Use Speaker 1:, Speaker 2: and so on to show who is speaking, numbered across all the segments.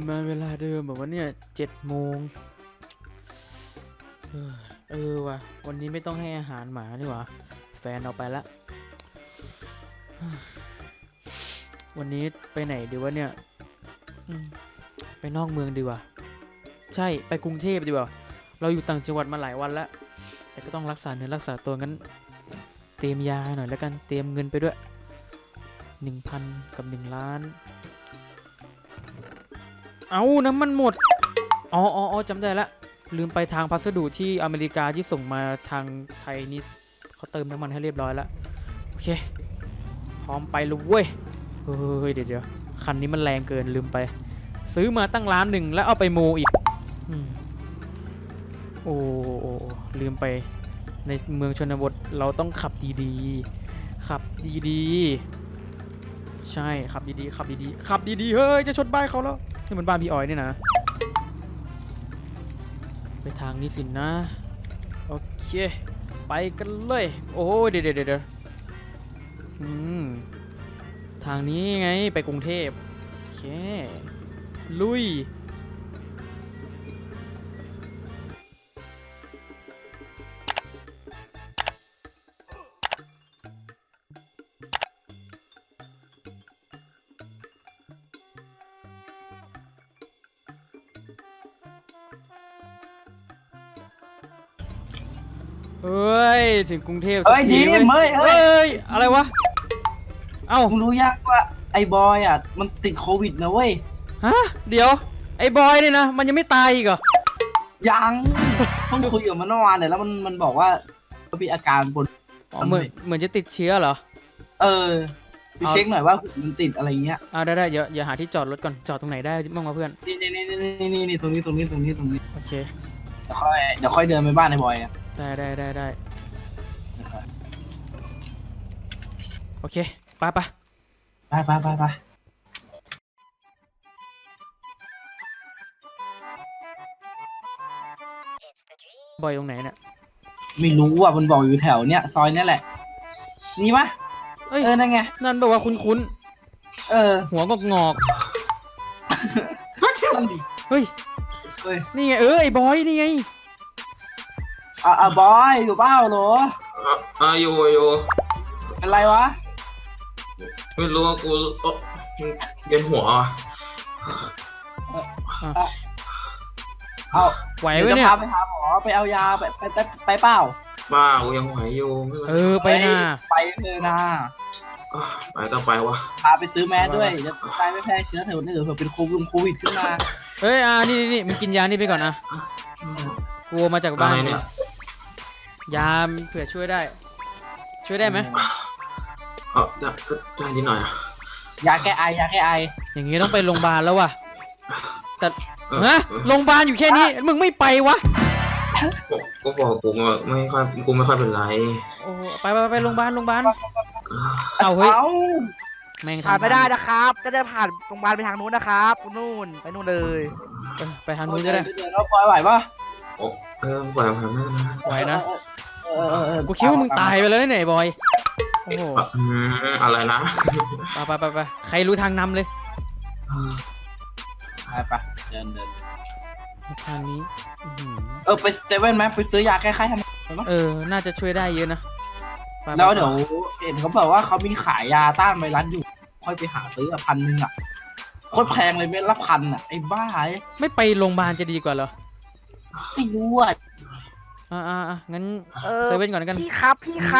Speaker 1: มาเวลาเดิมแบบว่าเนี่ย7 โมงว่ะวันนี้ไม่ต้องให้อาหารหมานี่หว่าแฟนเอาไปละวันนี้ไปไหนดีวะเนี่ยไปนอกเมืองดีกว่าใช่ไปกรุงเทพดีกว่าเราอยู่ต่างจังหวัดมาหลายวันแล้วแต่ก็ต้องรักษาเนื้อรักษาตัวงั้นเตรียมยาหน่อยแล้วกันเตรียมเงินไปด้วย 1,000 กับ 1,000,000เอาน้ำมันหมดอ๋อจำได้ละลืมไปทางพัสดุที่อเมริกาที่ส่งมาทางไทยนี่เขาเติมน้ำมันให้เรียบร้อยแล้วโอเคพร้อมไปเลยเว้ยเฮ้ยเดี๋ยวคันนี้มันแรงเกินลืมไปซื้อมาตั้ง1,000,000แล้วเอาไปโมอีกโอ้ลืมไปในเมืองชนบทเราต้องขับดีๆขับดีๆใช่ขับดีๆขับดีๆเฮ้ยจะชนบ้านเขาแล้วนี่มันบ้านพี่ออยนี่นะไปทางนี้สินะโอเคไปกันเลยโอ้เดี๋ยวทางนี้ไงไปกรุงเทพโอเคลุยเฮ้ยถึงกรุงเทพสักทีเว้ยเฮ้ยอะไรวะเอ้า
Speaker 2: มึงรู้ยังว่าไอ้บอยอ่ะมันติดโควิดนะเว้ย
Speaker 1: ฮะเดี๋ยวไอ้บอยนี่นะมันยังไม่ตายอีกเหรอ
Speaker 2: ยังเพิ่งคุยกับมันเมื่อวานเนี่ยแล้วมันบอกว่ามีอาการปวด
Speaker 1: เหมือนจะติดเชื้อเหรอ
Speaker 2: ไปเช็คหน่อยว่ามันติดอะไรเงี้ย
Speaker 1: ได้อย่าหาที่จอดรถก่อนจอดตรงไหนได้บ้างวะเพื่อน
Speaker 2: นี่ตรงนี้
Speaker 1: โอเค
Speaker 2: เดี๋ยวค่อยเดินไปบ้านไอ้บอยอ่ะ
Speaker 1: ได้โอเคไปบอยตรงไหนเนี่ย
Speaker 2: ไม่รู้อ่ะมันบอกอยู่แถวเนี้ยซอยเนี้ยแหละนี่ปะนั่นไง
Speaker 1: นั่นบอกว่าคุ้นหัวงอกเฮ้ยนี่ไงไอ้บอยนี่ไง
Speaker 2: บอยอยู่เปล่าเหรอ
Speaker 3: อยู่
Speaker 2: เป็นไรวะ
Speaker 3: ไม่รู้ว่ากูเวียนหัว
Speaker 1: ไหวไหมเนี่ย
Speaker 2: จะพาไปหาหมอไปเอายาไปเปล่า
Speaker 3: กูยังไหวอยู่
Speaker 1: ไปนะ
Speaker 2: ไปเลยนะ
Speaker 3: ไปต้องไปวะ
Speaker 2: พาไปซื้อแมสด้วยจะตายไม่แพ้เชื้อเถอะนี่เดี๋ยวเป็นโควิดขึ้นมา
Speaker 1: นี่มึงกินยานี่ไปก่อนนะกลัวมาจากบ้านเนี่ยยาเผื่อช่วยได้ไหม
Speaker 3: ได้นิดหน่อย
Speaker 2: ยาแก้ไอ
Speaker 1: อย่างงี้ต้องไปโรงพยาบาลแล้วว่ะแต่โรงพยาบาลอยู่แค่นี้มึงไม่ไปวะ
Speaker 3: ก็บอกกูไม่ค่อยเป็นไร
Speaker 1: โอ้ไปโรงพยาบาลเอาเฮ้ยแม่ง
Speaker 4: ผ่านไม่ได้นะครับก็จะผ่านโรงพยาบาลไปทางนู้นนะครับนู่นไปนู่นเลย
Speaker 1: ไปทางนู้นก็ได้
Speaker 2: เราปล่อยไหวปะ
Speaker 3: ไหวผ่านไม่ได้
Speaker 1: ไหวนะกูคิดว่ามึงตายไปเลยเนี่ยบอยโอ้โห
Speaker 3: อะไรนะ
Speaker 1: ไปใครรู้ทางนำเลย
Speaker 2: ไปเดิน
Speaker 1: ทางนี้
Speaker 2: ไปเซเว่นไหมไปซื้อยาแก้ไข้ทำไม
Speaker 1: น่าจะช่วยได้เยอะนะ
Speaker 2: แล้วเดี๋ยวเห็นเขาบอกว่าเขามีขายยาต้านไวรัสอยู่ค่อยไปหาซื้อ1,000อ่ะโคตรแพงเลยเม็ดละ1,000อ่ะไอ้บ้า
Speaker 1: ไม่ไปโรงพยาบาลจะดีกว่าเหรอ
Speaker 2: ไม่รู้อ่ะ
Speaker 1: งั้นเซเว่นก่อนกัน
Speaker 4: พี่ครับ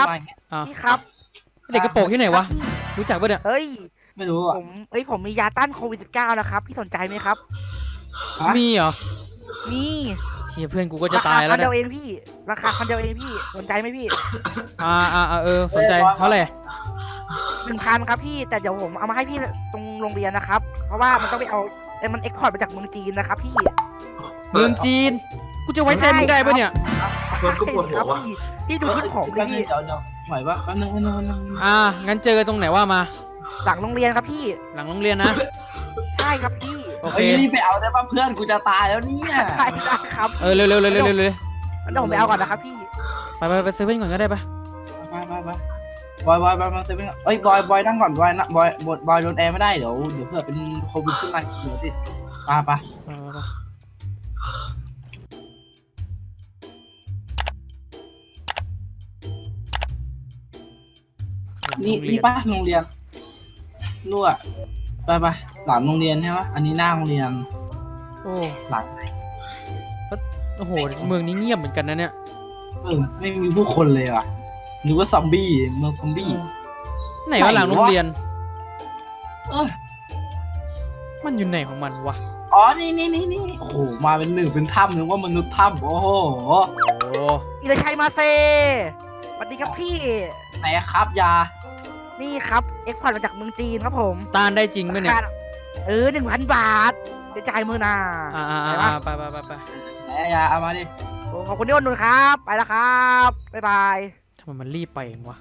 Speaker 1: เด็กกระโปรงที่ไหนวะรู้จักปะเนี่ย
Speaker 2: ไม่รู้อ่ะ
Speaker 4: ผมมียาต้านโควิด-19นะครับพี่สนใจไหมครับ
Speaker 1: มีเหรอ
Speaker 4: มี
Speaker 1: เพื่อนกูก็จะตายแล้ว
Speaker 4: ราคา1,000 เดียวเองพี่ราคา1,000 เดียวเองพี่สนใจไหมพี่
Speaker 1: สนใจเท่าไหร่
Speaker 4: 1,000ครับพี่แต่เดี๋ยวผมเอามาให้พี่ตรงโรงเรียนนะครับเพราะว่ามันต้องไปเอามันเอ็กพอร์ตมาจากเมืองจีนนะครับพี่
Speaker 1: เมืองจีนกูจะไว้ใจมึงได้ปะเนี่ย
Speaker 3: มันก็ปวดหัววะ
Speaker 4: พี่ดูขึ้นของเลยพี่
Speaker 2: เดี๋ยวไหวปะนึง
Speaker 1: งั้นเจอตรงไหนว่ามา
Speaker 4: หลังโรงเรียนครับพี่
Speaker 1: หลังโรงเรียนนะ
Speaker 4: ใช่ครับพี่
Speaker 1: โอเค
Speaker 2: นี่ไปเอาได้ป่ะเพื่อนกูจะตายแล้วเนี่ย
Speaker 4: ได้ครับ
Speaker 1: เร็ว
Speaker 4: เดี๋ยวผมไปเอาก่อนนะครับพี่
Speaker 1: ไปเซเว่นก่อนก็ได้ปะ
Speaker 2: บอยมาเซเว่นบอยนั่งก่อนบอยโดนแอร์ไม่ได้เดี๋ยวเพื่อเป็นโควิดขึ้นมาเดี๋ยวติดไป นี่
Speaker 1: โรงเรี
Speaker 2: นี่
Speaker 1: ยน
Speaker 2: ป้าโรงเรียนนู่นอะไปหลังโรงเรียนใช่ไหมอันนี้หน้าโรงเรียน
Speaker 1: โอ้
Speaker 2: หลัง
Speaker 1: โอ้โหเมืองนี้เงียบเหมือนกันนะเนี่ย
Speaker 2: ไม่มีผู้คนเลยว่ะนึกว่าซอมบี้เมืองซอมบี้
Speaker 1: ไหนว่าหลังโรงเรียน
Speaker 2: เออ
Speaker 1: มันอยู่ไหนของมันวะ
Speaker 2: อ๋อนี่โอ้โหมาเป็นหนึ่งเป็นถ้ำนึกว่ามนุษย์ถ้ำโอ้โห
Speaker 1: โอ้
Speaker 4: อิเลชัยมาเซสวัสดีครับพี่
Speaker 2: ไหนครับยา
Speaker 4: นี่ครับเอ็กพอร์ตมาจากเมืองจีนครับผม
Speaker 1: ต้านได้จริงไหมเนี่ย
Speaker 4: 1,000 บาทจะจ่ายมือนา
Speaker 1: ไป
Speaker 2: ไหนยาเอามาดิ
Speaker 4: โอ้ขอบคุณที่อุดหนุนครับ ไปแล้วครับ บ๊ายบาย
Speaker 1: ทำไมมันรีบไปเองวะ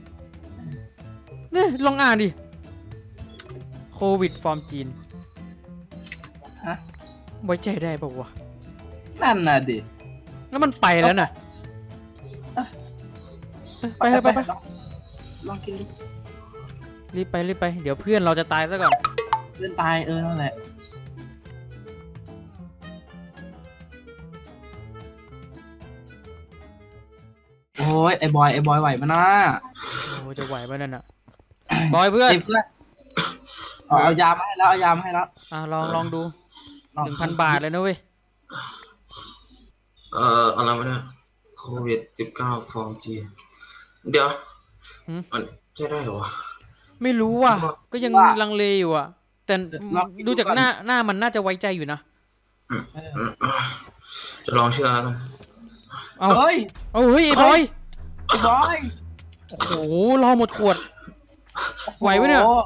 Speaker 1: เนี่ยลองอ่านดิโควิดฟอร์มจีน
Speaker 2: ฮะ
Speaker 1: ไว้ใจได้ป่าวะ
Speaker 2: นั่นน่ะดิ
Speaker 1: แล้วมันไปแล้วน่ะไป
Speaker 2: ลองกินดิ
Speaker 1: รีบไปเดี๋ยวเพื่อนเราจะตายซะก่อน
Speaker 2: เพื่อนตายนั่นแหละโอ้ยไอ้บอยไหวมานะ
Speaker 1: โอ้จะไหวไหมนั่นน่ะบอยเพื่อน
Speaker 2: ไอ้เพื่อนเอายามาให้แล้วเอายามาให้แล้ว
Speaker 1: ลองดู1,000 บาทเลยนะเว้ย
Speaker 3: อะไรวะเนี่ยโควิด19ฟอร์มจีนเดี๋ยวมันใช่ได้เหรอวะ
Speaker 1: ไม่รู้ว่ะก็ยังลังเลอยู่อ่ะ แต่ดูจากหน้ามันน่าจะไว้ใจอยู่นะ
Speaker 3: จะลองเชื่อแล้วกัน
Speaker 1: เอา
Speaker 2: เฮ้ย
Speaker 1: เฮ้ยไอ้บอย
Speaker 2: ไอ้บอย
Speaker 1: โอ้โหรอหมดขวด ไหวไหมเนี่ย
Speaker 2: โอ้โห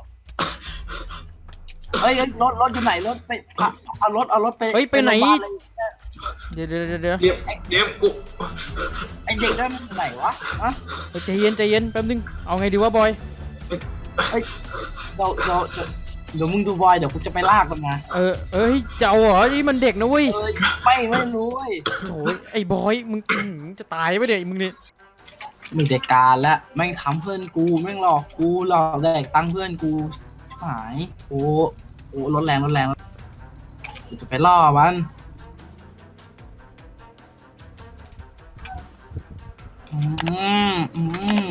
Speaker 2: เฮ้ยรถอยู่ไหนรถไปเอารถไป
Speaker 1: เฮ้ยไปไหน
Speaker 2: โรงพยาบาลเลย
Speaker 1: เดี๋ยว
Speaker 3: เดี๋ยวกู
Speaker 2: ไอเด็กนั่นมันอยู่ไหนวะฮะ
Speaker 1: ใจเย็นแป๊บนึงเอาไงดีวะบอย
Speaker 2: เดี๋ยวมึงดูบอยเดี๋ยวกูจะไปลากมันมา
Speaker 1: เฮ้ยเจ้าเหรอนี่มันเด็กนะเว้ย
Speaker 2: เอ้ยไม่รู้เว้ย
Speaker 1: โอ้ยไอ้บอยมึงจะตายไปเดี๋ยวมึงนี่
Speaker 2: มีแต่การแล้วแม่งทำเพื่อนกูแม่งหลอกกูหลอกแดกตังค์เพื่อนกูหายโอ้รถแรงกูจะไปล่อมันอืม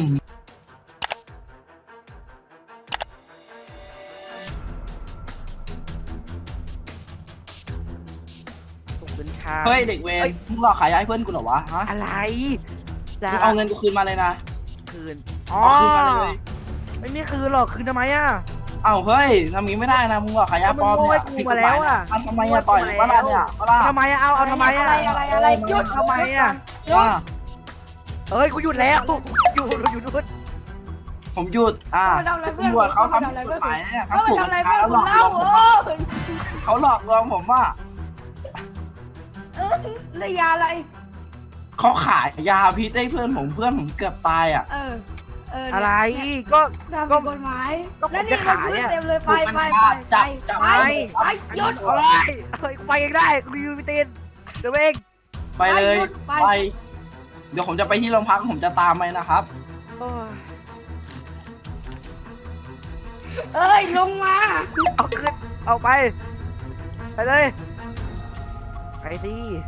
Speaker 4: ส่งเป็นชา
Speaker 2: เฮ้ยเด็กเวรมึงหลอกขายยาให้เพื่อนกูเหรอวะฮะ
Speaker 4: อะไร
Speaker 2: มึงเอาเงินกูคืนมาเลยนะ
Speaker 4: คืน
Speaker 2: เอาคืนมาเลย
Speaker 4: ไม่มีคืนหรอก คืนทำไมอ่ะ
Speaker 2: เอ้าเฮ้ยทำงี้ไม่ได้นะมึงหลอกขายยาปลอมเนี่ย
Speaker 4: มึงโง่ให้กูมาแล้วอะ
Speaker 2: ทำไมอะต่อยมึงวะล่ะเนี่ยวะล่ะ
Speaker 4: ทำไมอ่ะ เอาทำไมอ่ะ
Speaker 5: อะไรหยุด
Speaker 4: ทำไมอ่ะ
Speaker 2: ว่า
Speaker 4: เฮ้ย กูหยุดแล้วหยุดนู่น
Speaker 2: ผมหยุดตำรวจเขาทำผิดกฎหมายเนี่ย
Speaker 5: เขา
Speaker 2: เขาถูก
Speaker 5: ทำอะไร
Speaker 2: กา
Speaker 5: เพื่
Speaker 2: ร
Speaker 5: อน
Speaker 2: แล้วห
Speaker 5: คุ
Speaker 2: ล
Speaker 5: ณ
Speaker 2: อกล
Speaker 5: เล่าว
Speaker 2: งผมเขาหลอกลวงผมว่า
Speaker 5: แล้วยาอะไร
Speaker 2: เขาขายยาพิษให้เพื่อนผมเกือบตายอ่ะ
Speaker 4: อะไร ก็
Speaker 5: ทำผิดกฎหมาย
Speaker 4: ก็ผม
Speaker 5: แล้วนี่
Speaker 4: จะขายอะ
Speaker 5: เต็มเลยไป
Speaker 2: จับ
Speaker 5: ไปหยุด
Speaker 4: อะไรเฮ้ย กูไปเองได้ กูอยู่พิตีนเดี๋ยวเอง
Speaker 2: ไปเลย
Speaker 5: ไป
Speaker 2: ไป เดี๋ยวผมจะไปที่โรงพักผมจะตามไปนะครับ
Speaker 4: โอ้ย
Speaker 5: เอ้ยลงมา
Speaker 4: เอาขึ้นเอาไป ไปเลย ไปสิ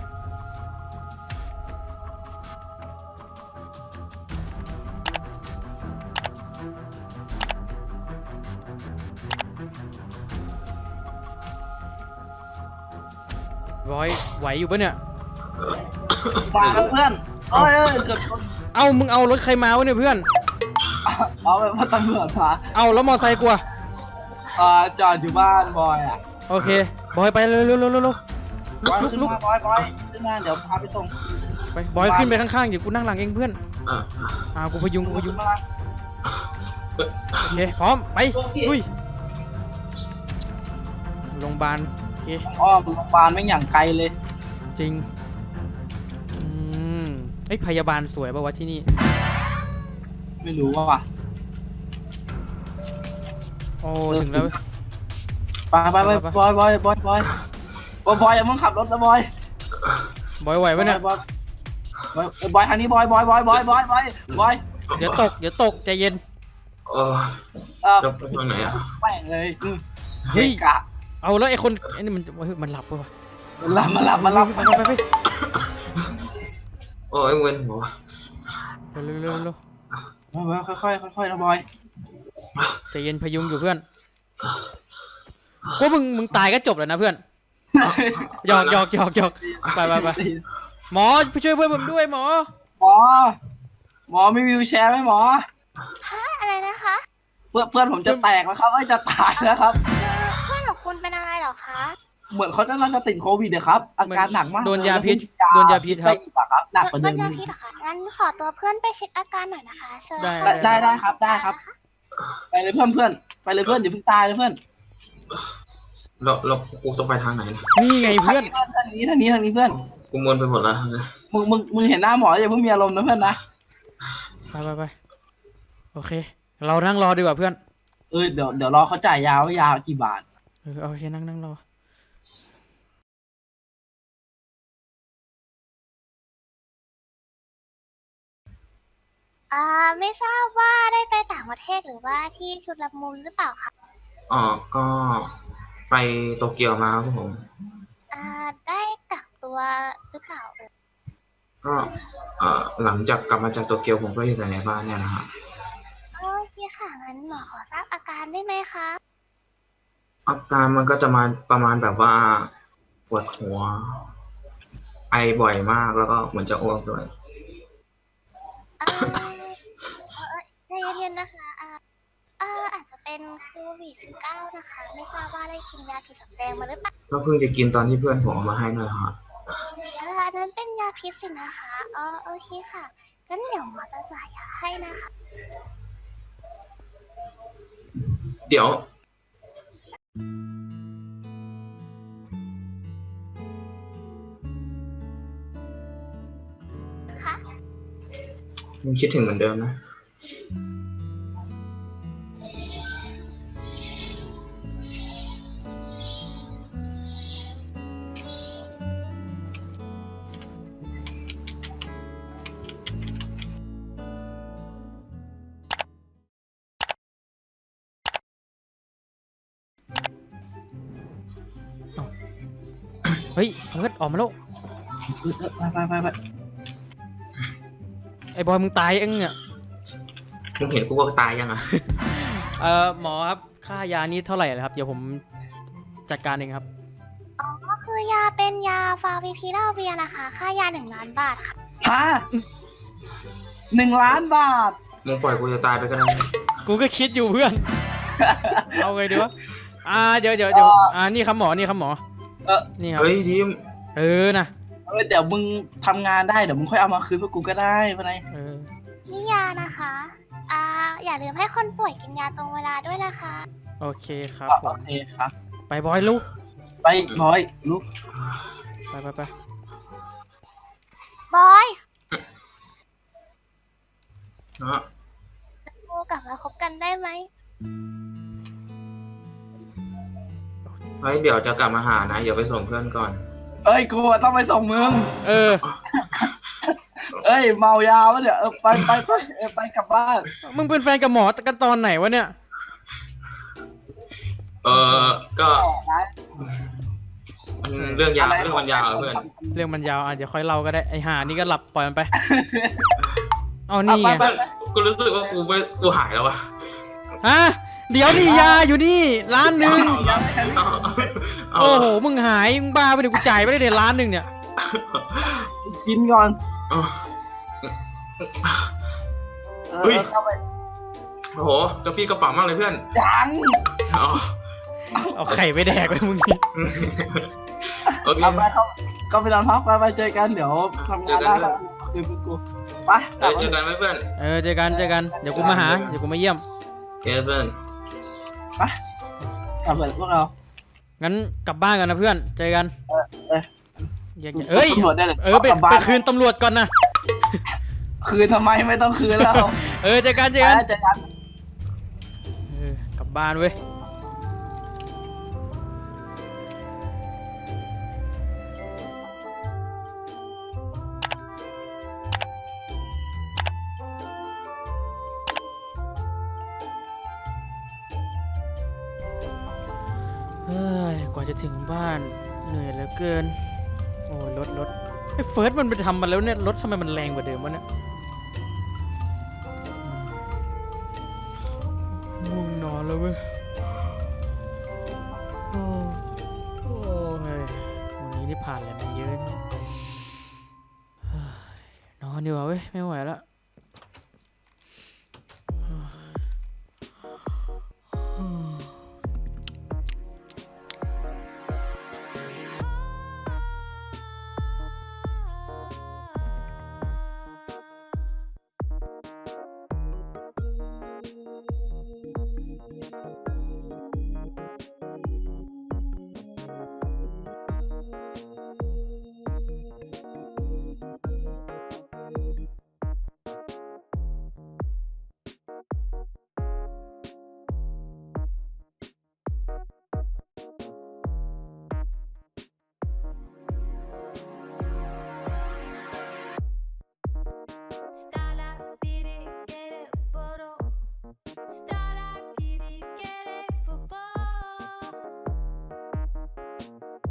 Speaker 1: บอยไหวอยู่ปะเนี่ย
Speaker 2: มาแล้วเพื่อนเอ้ยเกือบชน
Speaker 1: มึงเอารถใครมาวะเนี่ยเพื่อน
Speaker 2: เอาไปว่าตำรวจมา
Speaker 1: แล้วมอไซค์กูอะ
Speaker 2: จอดอยู่บ้านบอยอ่ะ
Speaker 1: โอเคบอยไปเร็ว
Speaker 2: บอยขึ้นมาบอยขึ้นมาเดี๋ยวพาไปส่ง
Speaker 1: ไปบอยขึ้นไปข้างๆเดี๋ยวกูนั่งหลังเองเพื่อน
Speaker 3: อ่ะ
Speaker 1: กูพยุง
Speaker 2: ขึ้นมา
Speaker 1: โอเคพร้อมไปลุยโรงพยาบาลโอเค
Speaker 2: อ้อมโรงพยาบาลไม่งอย่างไกลเลย
Speaker 1: จริงไอ้พยาบาลสวยป่าวะที่นี่
Speaker 2: ไม่รู้ว่ะ
Speaker 1: โอ้ถึงแล้ว
Speaker 2: ไปบอยอย่ามึงขับรถนะบอย
Speaker 1: บอยไหวปะเนี่ย
Speaker 2: บอยทางนี้บอย
Speaker 1: เดี๋ยวตกใจเย็น
Speaker 3: จะไปทางไหนอ่ะ
Speaker 2: แม่งเลย
Speaker 1: เฮ้ย
Speaker 2: กะ
Speaker 1: เอาแล้วไอ้คนไอ้นี่มันเฮ้ยมันหลับปะวะ
Speaker 2: มาหลับ
Speaker 1: ไป
Speaker 3: โอ้ยเว้นหัว
Speaker 1: เร็ว
Speaker 2: มาค่อยนะบอย
Speaker 1: ใจเย็นพยุงอยู่เพื่อนกูมึงตายก็จบแล้วนะเพื่อนหยอกไปหมอไปช่วยเพื่อนผมด้วยหมอ
Speaker 2: หมอมีวิวแชร์ไหมหมอ
Speaker 6: อะไรนะคะ
Speaker 2: เพื่อนผมจะแตกแล้วครับจะตายแล้วครับ
Speaker 6: เพื่อนของคุณเป็นอะไรเหรอคะ
Speaker 2: เหมือนเขาจะติดโควิดนะครับอาการหนักมาก
Speaker 1: โดนยาพิษครับ
Speaker 2: ครับหนักกว่า
Speaker 6: โด
Speaker 2: เดิ
Speaker 6: น
Speaker 2: ม
Speaker 6: ยาพิษเหรอคะงั้นขอตัวเพื่อนไปเช็คอาการหน่อยนะคะเชิญ
Speaker 2: ได้ครับ ไปเลยเพื่อนไปเลยเพื่อนอย่าเพิ่งตายเลยเพื่อน
Speaker 3: เรากูต้องไปทางไหนนะ
Speaker 1: นี่ไงเพื่อน
Speaker 2: ทางนี้เพื่อน
Speaker 3: กูมวนไปหมดแล้ว
Speaker 2: มึงเห็นหน้าหมออย่าเพิ่งมีอารมณ์นะเพื่อนนะ
Speaker 1: ไปโอเค เรานั่งรอดีกว่าเพื่อน
Speaker 2: เดี๋ยวรอเขาจ่ายยากี่บาท
Speaker 1: โอเคนั่งรอ
Speaker 6: ไม่ทราบว่าได้ไปต่างประเทศหรือว่าที่ชุดละมุนหรือเปล่าคะ
Speaker 3: อ๋อก็ไปโตเกียวมาครับผม
Speaker 6: ได้กักตัวหรือเปล่า
Speaker 3: ก็หลังจากกลับมาจากโตเกียวผมก็อยู่แต่ในบ้านเนี่ยนะฮะ
Speaker 6: โอเคค่ะงั้นหมอขอทราบอาการได้ไหมคะ
Speaker 3: อาการมันก็จะมาประมาณแบบว่าปวดหัว ไอบ่อยมากแล้วก็เหมือนจะอ้วกด้วย
Speaker 6: ใจเย็นๆนะคะอาจจะเป็นโควิด-19นะคะ ไม่ทราบว่าได้กินยาผิดสำแดงมาหรือเปล่า
Speaker 3: ก็เพิ่งจะกินตอนที่เพื่อนผมเอามาให้นั่นแหละฮะ
Speaker 6: อันนั้นเป็นยาพิษสินะคะโอเคค่ะงั้นเดี๋ยวหมอจะจ่ายยาให้นะคะ
Speaker 3: เดี๋ยว
Speaker 6: ค่ะ
Speaker 3: มึงคิดถึงเหมือนเดิมนะ
Speaker 1: เฮ้ยเฟิร์สออกมาแล้ว
Speaker 2: ไป
Speaker 1: ไอ้บอยมึงตายเองเนี่ย
Speaker 3: มึงเห็นกูว่าตายยังอ่ะ
Speaker 1: หมอครับค่ายานี้เท่าไหร่ครับเดี๋ยวผมจัดการเองครับ
Speaker 6: ก็คือยาเป็นยาฟาวิพิราเวียนะคะ ค่ายา1 ล้านบาทค่ะ
Speaker 2: ฮะ1 ล้านบาท
Speaker 3: มึงปล่อยกูจะตายไปก็ได้
Speaker 1: กูก็คิดอยู่เพื่อน เอาไงดีวะเดี๋ยวนี่ครับหมอนี่ครับหมอ นี่ครับ
Speaker 3: เฮ้ยดิม
Speaker 1: นะ
Speaker 2: เดี๋ยวมึงทำงานได้เดี๋ยวมึงค่อยเอามาคืนพวกกูก็ได้ปะไง
Speaker 6: นี่ยานะคะอย่าลืมให้คนป่วยกินยาตรงเวลาด้วยนะคะ
Speaker 1: โอเคครับผ
Speaker 2: โอ
Speaker 1: ม
Speaker 2: เคครับ
Speaker 1: ไปบอยลูก
Speaker 2: ไปบอยลูก
Speaker 1: ไป
Speaker 6: บอย
Speaker 3: เนาะ
Speaker 6: กูกลับมาคบกันได้ไหม
Speaker 3: เฮ้ยเดี๋ยวจะกลับมาหานะ เดี๋ยวไปส่งเพื่อนก่อน
Speaker 2: กูต้องไปส่งมึง
Speaker 1: เ
Speaker 2: เมายาวะเดี๋ยวไปกลับบ้าน
Speaker 1: มึงเป็นแฟนกับหมอกันตอนไหนวะเนี่ย
Speaker 3: ก็มันเรื่องยาวเรื่องมันยาวอะเพื่อน
Speaker 1: เรื่องมันยาวเดี๋ยวค่อยเล่าก็ได้ไอห่านี่ก็หลับปล่อยมันไป เอานี่ไง
Speaker 3: เพื่อนกูรู้สึกว่ากูหายแล้ววะ
Speaker 1: ฮะเดี๋ยวนี่ยาอยู่นี่1 ล้าน
Speaker 3: เอา
Speaker 1: โอ้โหมึงหายมึงบ้าไปเดี๋ยวกูจ่ายไปได้เดี๋ยว1 ล้านเนี่ย
Speaker 2: กินก่อน
Speaker 3: เฮ้ย
Speaker 2: เข้าไป
Speaker 3: โอ้โหเจ้าพี่กระเป๋ามากเลยเพื่อน
Speaker 2: จัง
Speaker 3: อ๋อ
Speaker 1: เอาไข่ไปแดกไปมึงนี่
Speaker 3: โอเค
Speaker 2: เอาไปเข้าไปนอนพักไปเจอกันเดี๋ยวทำงานได้ครับคืนพวกกูไปกลับ
Speaker 3: เจอกันไหมเพื่อน
Speaker 1: เจอกันเดี๋ยวกูมาหาเดี๋ยวกูมาเยี่ยม
Speaker 3: เพื่อน
Speaker 2: กลับเลยพวกเรา
Speaker 1: งั้นกลับบ้านกันนะเพื่อนเจอกัน แยกย้ายเอ้ย
Speaker 2: ตำรวจได้เลย
Speaker 1: ไป
Speaker 2: กลับบ้า
Speaker 1: ไป
Speaker 2: น
Speaker 1: คืนตำรวจก่อนนะ
Speaker 2: คืนทำไมไม่ต้องคืนแล้ว
Speaker 1: เจอกัน
Speaker 2: เจอกัน
Speaker 1: กลับบ้านเว้ยกว่าจะถึงบ้านเหนื่อยเหลือเกิน โอ้ยรถไอ้เฟิร์สมันไปทำมาแล้วเนี่ยรถทำไมมันแรงกว่าเดิมวะเนี่ยง่วงนอนแล้วเว้ยโอ้ยวันนี้นี่ผ่านอะไรมาเยอะเนี่ยเฮ้ยนอนดีกว่าเว้ยไม่ไหวแล้ว